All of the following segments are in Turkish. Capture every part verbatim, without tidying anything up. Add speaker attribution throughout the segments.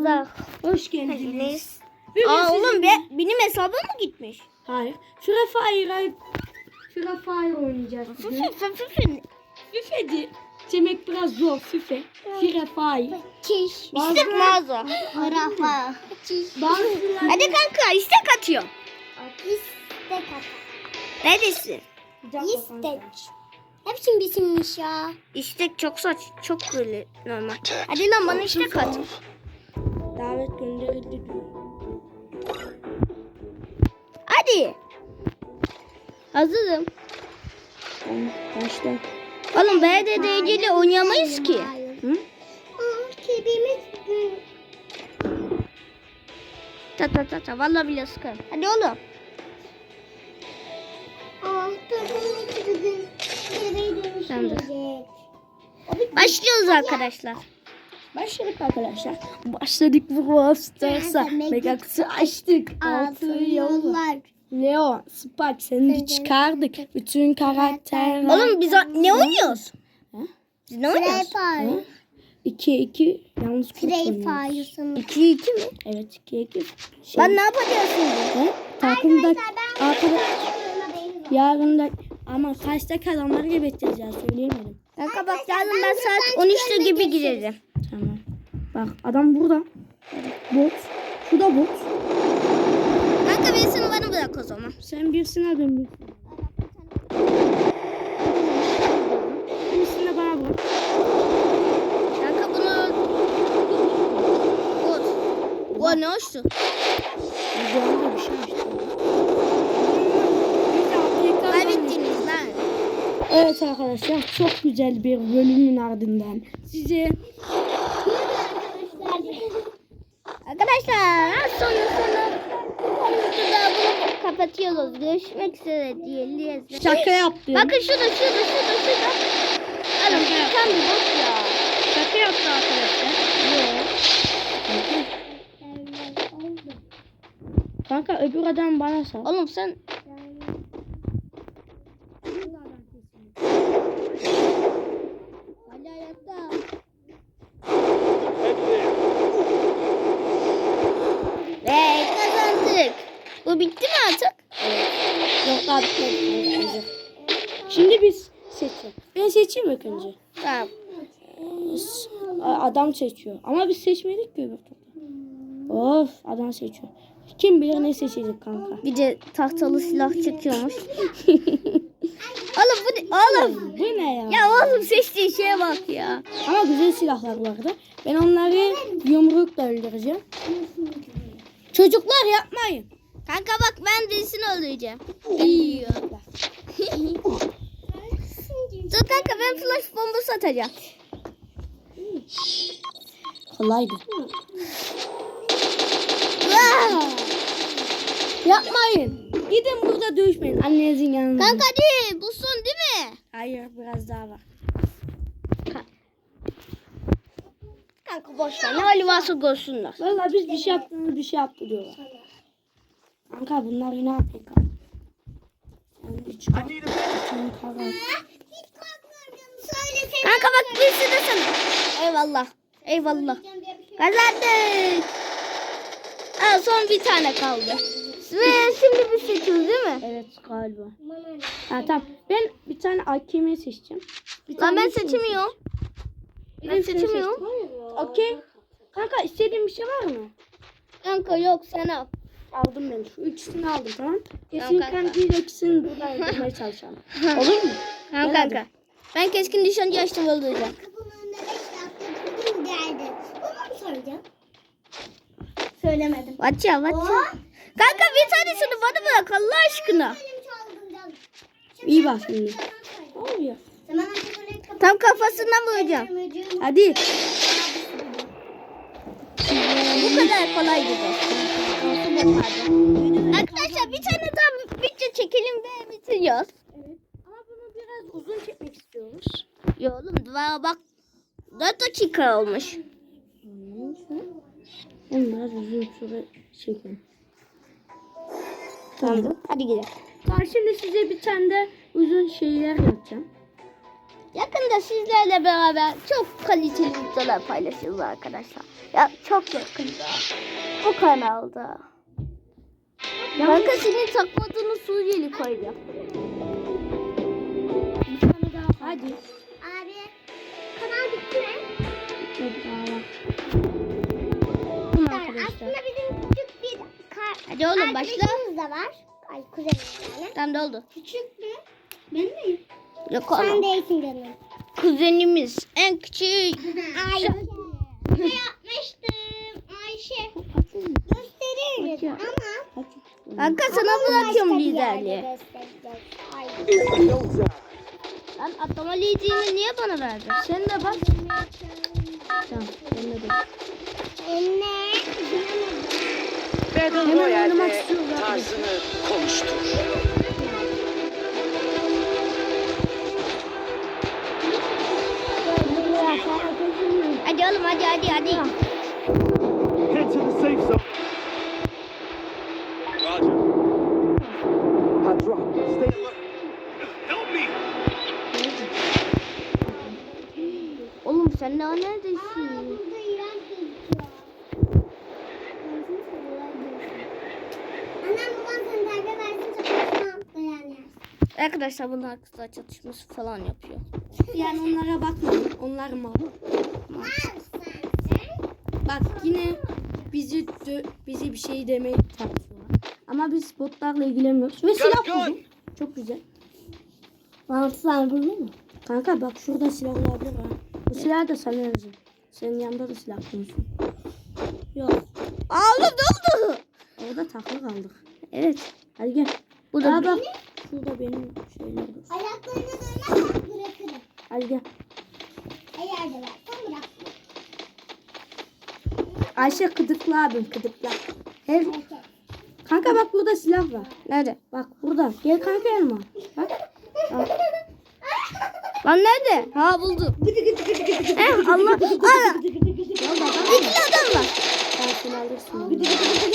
Speaker 1: Azar.
Speaker 2: Hoş geldiniz.
Speaker 1: Aa
Speaker 2: sizin-
Speaker 1: oğlum be, benim hesabım mı gitmiş?
Speaker 2: Hayır. Free Fire Free Fire oynayacağız. bugün.
Speaker 1: Fıfı fıfı.
Speaker 2: FIFA'di. Demek biraz zor FIFA. Free Fire.
Speaker 1: Çiş.
Speaker 2: Bazı-
Speaker 1: İstek mağaza. Rafa. Çiş.
Speaker 2: Bazıları
Speaker 1: Hadi kanka istek atıyorum.
Speaker 3: İstek at.
Speaker 1: Neredesin?
Speaker 2: Bir dakika kanka.
Speaker 3: İstek. Hepsinin bisimmiş ya.
Speaker 1: İstek çok saç, çok böyle normal. Hadi lan bana istek at.
Speaker 2: Davet gönderildi diyor.
Speaker 1: Hadi. Hazırım.
Speaker 2: Tamam, başla.
Speaker 1: Oğlum B D D C ile oynayamayız ki.
Speaker 2: Hı?
Speaker 3: Kedimiz
Speaker 1: Ta ta ta ta vallahi bile sıkarım. Hadi oğlum.
Speaker 3: Ah, kedimiz bugün nereye
Speaker 1: Sen de.
Speaker 3: dönüşecek?
Speaker 1: Başlıyoruz arkadaşlar.
Speaker 2: Başladık arkadaşlar. Başladık bu Stars'a. Mega kutu açtık. Altı yollar. Leo, Spike seni de çıkardık. Bütün karakterler.
Speaker 1: Oğlum biz o- ne oynuyoruz?
Speaker 2: Ha?
Speaker 1: Biz ne oynuyoruz?
Speaker 3: Fire.
Speaker 2: iki iki yalnız kurt
Speaker 3: Free
Speaker 2: oynuyoruz.
Speaker 3: Fire'sın.
Speaker 1: iki iki mi?
Speaker 2: Evet iki iki. Şey,
Speaker 1: Ben ne yapacağız şimdi?
Speaker 2: he? Takımda arkadaş yarın da ama kaçta kalanları geberteceğiz ya söyleyemedim.
Speaker 1: Kanka bak yarın ben saat on üçte gibi girerim.
Speaker 2: Tamam. Bak adam burada. Bot. Şu da bot.
Speaker 1: Kanka birisini bana bırak o zaman.
Speaker 2: Sen birisini al ben birisini. Birisini de bana bırak.
Speaker 1: Kanka bunu... Bot. O ne hoştu?
Speaker 2: Bu anda bir şey açtı.
Speaker 1: Kaybettiniz lan.
Speaker 2: Evet arkadaşlar çok güzel bir bölümün ardından size
Speaker 1: Arkadaşlar az sonra sonra konumuzda bunu kapatıyoruz. Görüşmek üzere diyelim.
Speaker 2: şaka yaptım.
Speaker 1: Bakın şurada şurada şurada şurada. Alın tam bir bot ya.
Speaker 2: Şaka yaptı arkadaşlar. Kanka öbür adam bana sal.
Speaker 1: Oğlum sen... Hala ayakta. Ve kazandık. Bu bitti mi artık?
Speaker 2: Yok daha bitmedi. Şimdi biz seçelim. Ben seçeyim ilk önce.
Speaker 1: Tamam.
Speaker 2: Adam seçiyor. Ama biz seçmedik ki öbür turda. Of adam seçiyor. Kim bilir ne seçecek kanka.
Speaker 1: Bir de tahtalı silah çekiyormuş. Oğlum bu ne? Oğlum.
Speaker 2: Bu ne ya?
Speaker 1: Ya oğlum seçtiğin şeye bak ya.
Speaker 2: Ama güzel silahlar vardı. Ben onları yumrukla öldüreceğim. Çocuklar yapmayın.
Speaker 1: Kanka bak ben birisini öldüreceğim. İyi. Dur kanka ben flash bombası atacağım.
Speaker 2: Kolaydı.
Speaker 1: Vaa!
Speaker 2: Yapmayın. Gidin burada dövüşmeyin. Annenizin yanında.
Speaker 1: Kanka hadi bu son değil mi?
Speaker 2: Hayır biraz daha var.
Speaker 1: Kanka boş ver ne hali varsa görsünler.
Speaker 2: Vallahi biz bir şey yaptığımız bir şey yaptı diyorlar. Kanka bunlar ne yapıyor kanka? Sen de çıkar. Sen karar.
Speaker 1: Kanka bak birisi de sana. Eyvallah. Eyvallah. Kazandık. Ha, son bir tane kaldı. Ve şimdi biz seçiyoruz değil mi?
Speaker 2: Evet galiba. Ha tamam. Ben bir tane A K M seçeceğim. Bir
Speaker 1: Lan
Speaker 2: tane
Speaker 1: ben
Speaker 2: şunu
Speaker 1: seçemiyorum.
Speaker 2: Bir
Speaker 1: Ben
Speaker 2: de şunu
Speaker 1: seçemiyorum.
Speaker 2: seçtim. Okey. Kanka istediğin bir şey var mı?
Speaker 1: Kanka yok sen al.
Speaker 2: Aldım ben. Şu ikisini aldım tamam.
Speaker 1: Tamam
Speaker 2: Kesin
Speaker 1: kanka.
Speaker 2: kanka ikisini buradan öldürmeye çalışalım. Olur mu?
Speaker 1: Tamam
Speaker 2: Gel
Speaker 1: kanka. Ben keskin nişancı açtım öldüreceğim.
Speaker 3: Bugün geldi. Bunu mu soracağım? Söylemedim.
Speaker 1: Vatça vatça. Kanka bir tanesini bana bırak Allah aşkına.
Speaker 3: Benim çaldığımdan.
Speaker 2: İyi bak şimdi. Oluyor.
Speaker 3: Zaman önce böyle kapat.
Speaker 1: Tam kafasından vuracağım.
Speaker 2: Hadi.
Speaker 1: Bu kadar kolay gibi. Arkadaşlar bir tane daha video çekelim ve bitiriyoruz.
Speaker 2: Ama bunu biraz uzun çekmek istiyoruz.
Speaker 1: Ya oğlum daha bak dört dakika olmuş.
Speaker 2: Oğlum biraz uzun süre çekelim.
Speaker 1: Tamam. Hadi gidelim.
Speaker 2: Tamam şimdi size bir tane de uzun şeyler yapacağım.
Speaker 1: Yakında sizlerle beraber çok kaliteli videolar paylaşacağız arkadaşlar. Ya çok yakında. O kanalda. Kanka senin takmadığını Suriyeli koyacağım.
Speaker 2: Hadi.
Speaker 3: Abi kanal bitti mi?
Speaker 1: Bunu
Speaker 3: Aslında
Speaker 1: arkadaşlar.
Speaker 3: bizim küçük bir kar
Speaker 1: Hadi oğlum başla.
Speaker 3: arkadaşımız da var. Ay kuzenim yani.
Speaker 1: Tamam da oldu.
Speaker 3: Küçük mü? Ben miyim?
Speaker 1: Yok
Speaker 3: Sen
Speaker 1: oğlum.
Speaker 3: değilsin canım.
Speaker 1: Kuzenimiz en küçük.
Speaker 3: Ayşe. Ne yapmıştım? Ayşe. Gösteririz ama.
Speaker 1: Kanka sana bırakıyorum liderliği. Lan atlama liderini niye bana verdin? Sen de bak. Tamam. Sen de bak.
Speaker 3: Anne.
Speaker 4: Battle
Speaker 2: oynamak
Speaker 4: Royale'de
Speaker 2: istiyorum zaten.
Speaker 4: tarzını konuştur.
Speaker 1: Hadi oğlum hadi hadi hadi.
Speaker 5: Head to the safe zone. Roger. I drop. Stay alert. Help me.
Speaker 1: Oğlum sen daha neredesin?
Speaker 3: Burada iğrenç gözüküyor. Annem babam seni terbiye versin çatışma beğen yersin.
Speaker 1: Arkadaşlar bunlar kızlar çatışması falan yapıyor.
Speaker 2: Yani onlara bakmayın. Onlar mal. Bak yine bizi dö- bizi bir şey demeye çalışıyorlar. Ama biz botlarla ilgilenmiyoruz. Ve silah buldum. Çok güzel. Bana silah buldun mu? Kanka bak şurada silah olabilir ha. Bu silah da sana yazın. Senin yanında da silah bulunsun. Yok.
Speaker 1: Aa oğlum ne oldu?
Speaker 2: Orada takılı kaldık.
Speaker 1: Evet.
Speaker 2: Hadi gel.
Speaker 1: Bu da
Speaker 2: Aa, bak. Şurada benim şeyler var.
Speaker 3: Ayaklarını dönmezsen bırakırım.
Speaker 2: Hadi gel.
Speaker 3: Eğer de versen bırak.
Speaker 2: Ayşe kıdıkla abim kıdıkla. Her... Kanka bak burada silah var.
Speaker 1: Nerede?
Speaker 2: Bak burada. Gel kanka yanıma. Bak. Bak.
Speaker 1: Lan nerede? Ha buldum. eh Allah. Aa, İkili adam var.
Speaker 2: Sen seni alırsın.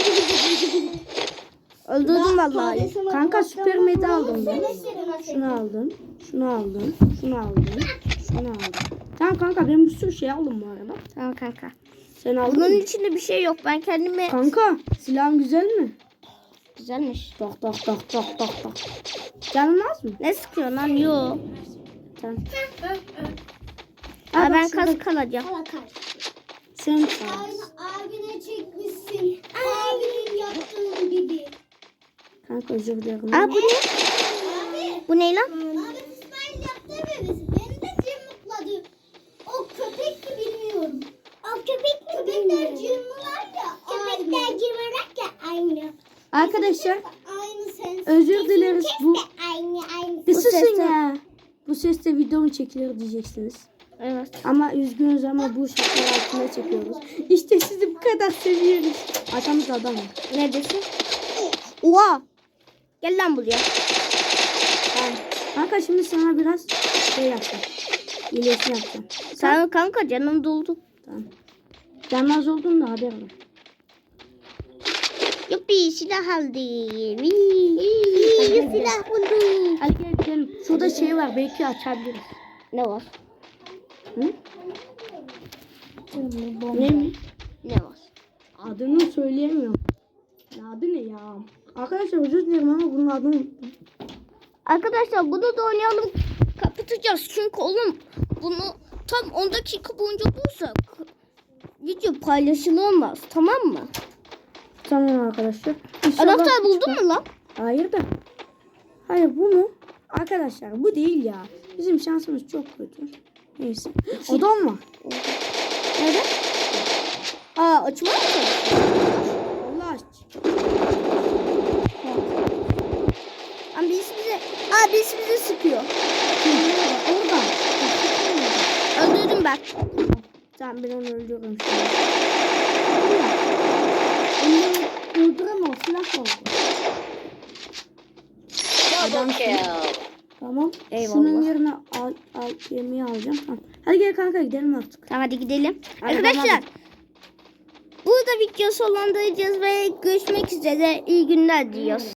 Speaker 1: Öldürdüm vallahi.
Speaker 2: Kanka süper medi aldım ben. Şunu aldım. Şunu aldım. Şunu aldım. Şunu aldım. Tamam kanka ben bir sürü şey aldım bu arada.
Speaker 1: Tamam kanka.
Speaker 2: Sen aldın
Speaker 1: Bunun
Speaker 2: mı?
Speaker 1: içinde bir şey yok. Ben kendime...
Speaker 2: Kanka silahın güzel mi?
Speaker 1: Güzelmiş.
Speaker 2: Tok tok tok tok tok tok. Canın az mı?
Speaker 1: Ne sıkıyor lan? Yo.
Speaker 2: Tamam.
Speaker 1: Aa,
Speaker 2: bak
Speaker 1: ben
Speaker 2: şurada-
Speaker 1: kas kalacağım.
Speaker 3: Bakar.
Speaker 2: Sen
Speaker 3: Aynı abine çekmişsin. Abinin yaptığı gibi.
Speaker 2: kanka özür dilerim.
Speaker 1: Aa bu ne?
Speaker 3: Abi.
Speaker 1: Bu ne lan?
Speaker 3: Abi İsmail yaptığı bebesi. Beni de cırmıkladı. O köpek mi bilmiyorum. O köpek mi Köpekler cırmılar ya. Köpekler cırmılar ya aynı.
Speaker 2: Arkadaşlar
Speaker 3: Aynı sen.
Speaker 2: özür dileriz bu.
Speaker 3: Aynı aynı.
Speaker 2: Bir
Speaker 1: Bu
Speaker 2: susun
Speaker 1: sesle-
Speaker 2: ya. Bu sesle videonun çekilir diyeceksiniz.
Speaker 1: Evet.
Speaker 2: Ama üzgünüz ama bu şartlar altında çekiyoruz. İşte sizi bu kadar seviyoruz. Arkamızda adam var.
Speaker 1: Neredesin? Oha. Gel lan buraya.
Speaker 2: Tamam. Kanka şimdi sana biraz şey yapacağım. İyileşme yapacağım.
Speaker 1: Sen kanka canım doldu.
Speaker 2: Tamam. Canmaz oldun da haber var.
Speaker 1: Yuppi silah aldım. Vii, silah buldum.
Speaker 2: Hadi gel gidelim. Şurada şey var belki açabiliriz.
Speaker 1: Ne var?
Speaker 2: Hı? Ne mi?
Speaker 1: Ne var?
Speaker 2: Adını söyleyemiyorum. Ya adı ne ya? Arkadaşlar özür dilerim ama bunun adını unuttum.
Speaker 1: Arkadaşlar bunu da oynayalım. Kapatacağız. Çünkü oğlum bunu tam on dakika boyunca bulursak video paylaşılamaz. Tamam mı?
Speaker 2: Tamam arkadaşlar. İnşallah
Speaker 1: Anahtar buldun
Speaker 2: çıkar.
Speaker 1: mu lan?
Speaker 2: Hayır da. Hayır bu mu? Arkadaşlar bu değil ya. Bizim şansımız çok kötü. Neyse. Odam var.
Speaker 1: Nerede? Aa açma mı?
Speaker 2: Allah aşkına.
Speaker 1: Ama birisi bize, aa birisi bize sıkıyor.
Speaker 2: Orada.
Speaker 1: Öldürdüm ben.
Speaker 2: Tamam ben onu öldürürüm şimdi. Onu öldüremem. Silah var.
Speaker 4: Double kill.
Speaker 2: Tamam.
Speaker 1: Eyvallah.
Speaker 2: Şunun yerine al, al, yemeği alacağım. Tamam. Hadi gel kanka gidelim artık.
Speaker 1: Tamam hadi gidelim.
Speaker 2: Hadi,
Speaker 1: Arkadaşlar
Speaker 2: hadi.
Speaker 1: burada video sonlandıracağız ve görüşmek üzere. İyi günler diyoruz.